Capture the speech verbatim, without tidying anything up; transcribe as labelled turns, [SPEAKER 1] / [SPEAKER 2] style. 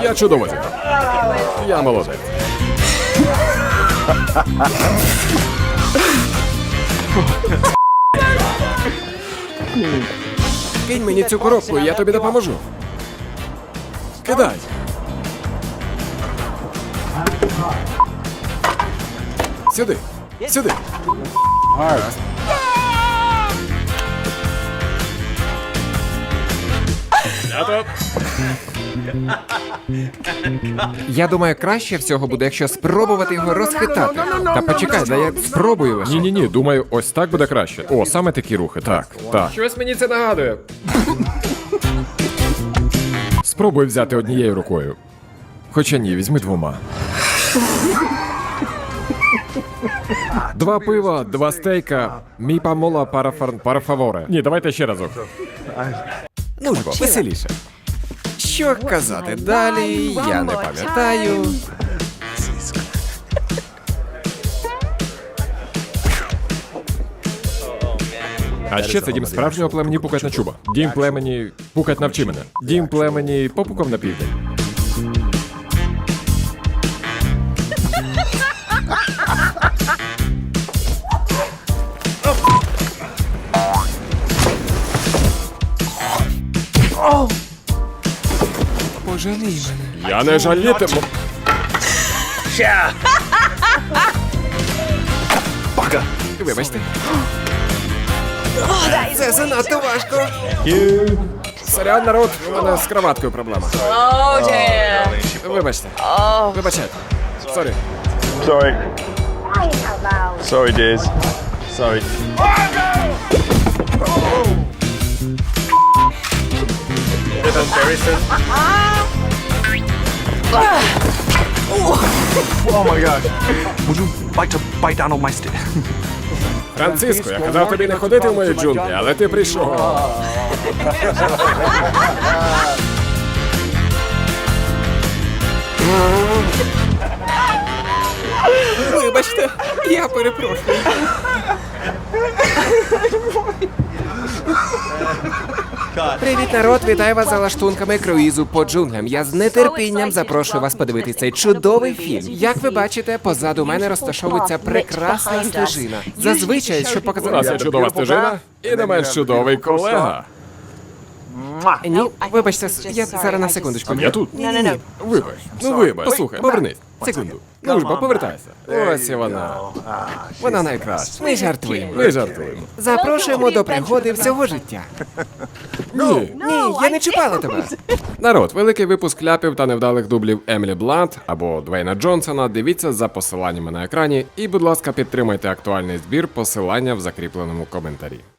[SPEAKER 1] Я чудово зіграв. Я молодець. Кинь мені цю коробку, і я тобі допоможу. Кидай. Сюди. Сюди. Гаразд. Я тут.
[SPEAKER 2] Я думаю, краще всього буде, якщо спробувати його розхитати. Та почекай, да я спробую лише.
[SPEAKER 1] Ні-ні-ні, думаю, ось так буде краще. О, саме такі рухи, так, так.
[SPEAKER 2] Щось мені це нагадує.
[SPEAKER 1] Спробуй взяти однією рукою. Хоча ні, візьми двома. Два пива, два стейка, мі памола парафар... парафаворе. Ні, давайте ще разок.
[SPEAKER 2] Ну ж бо, веселіше. Що казати далі, я не пам'ятаю.
[SPEAKER 1] А ще це дім справжнього племені пукать на чуба. Дім племені пукать навчи мене. Дім племені попукав на південь.
[SPEAKER 2] Пожалій мене.
[SPEAKER 1] Я не жалітиму.
[SPEAKER 2] Вибачте. Це занадто важко.
[SPEAKER 1] Сорян, народ, у мене з кроваткою проблема.
[SPEAKER 3] Oh, damn.
[SPEAKER 1] Вибачте. Вибачайте. Сорі.
[SPEAKER 4] Sorry. Sorry, dears. Sorry. Oh my god. Would you like to bite down on my stick?
[SPEAKER 1] Франциско, я казав тобі не ходити в мої джунглі, але ти прийшов.
[SPEAKER 2] Вибачте, я перепрошую. Привіт, народ! Вітаю вас за лаштунками круїзу по джунглям. Я з нетерпінням запрошую вас подивитися цей чудовий фільм. Як ви бачите, позаду мене розташовується прекрасна стежина. Зазвичай, щоб
[SPEAKER 1] У нас
[SPEAKER 2] показати...
[SPEAKER 1] є чудова стежина і не менш чудовий колега.
[SPEAKER 2] Ні, вибачте, я зараз на секундочку.
[SPEAKER 1] Я тут.
[SPEAKER 2] Ні-ні-ні.
[SPEAKER 1] Вибач. Ну вибач. Послухай, повернись.
[SPEAKER 2] Секунду.
[SPEAKER 1] Ну ж бо, повертайся. Ось і вона.
[SPEAKER 2] Вона найкраща. Ми жартуємо.
[SPEAKER 1] Ми жартуємо.
[SPEAKER 2] Запрошуємо до пригоди всього життя.
[SPEAKER 1] Ні.
[SPEAKER 2] Ні, я не чіпала тебе.
[SPEAKER 1] Народ, великий випуск ляпів та невдалих дублів Емілі Блант або Двейна Джонсона дивіться за посиланнями на екрані і, будь ласка, підтримайте актуальний збір, посилання в закріпленому коментарі.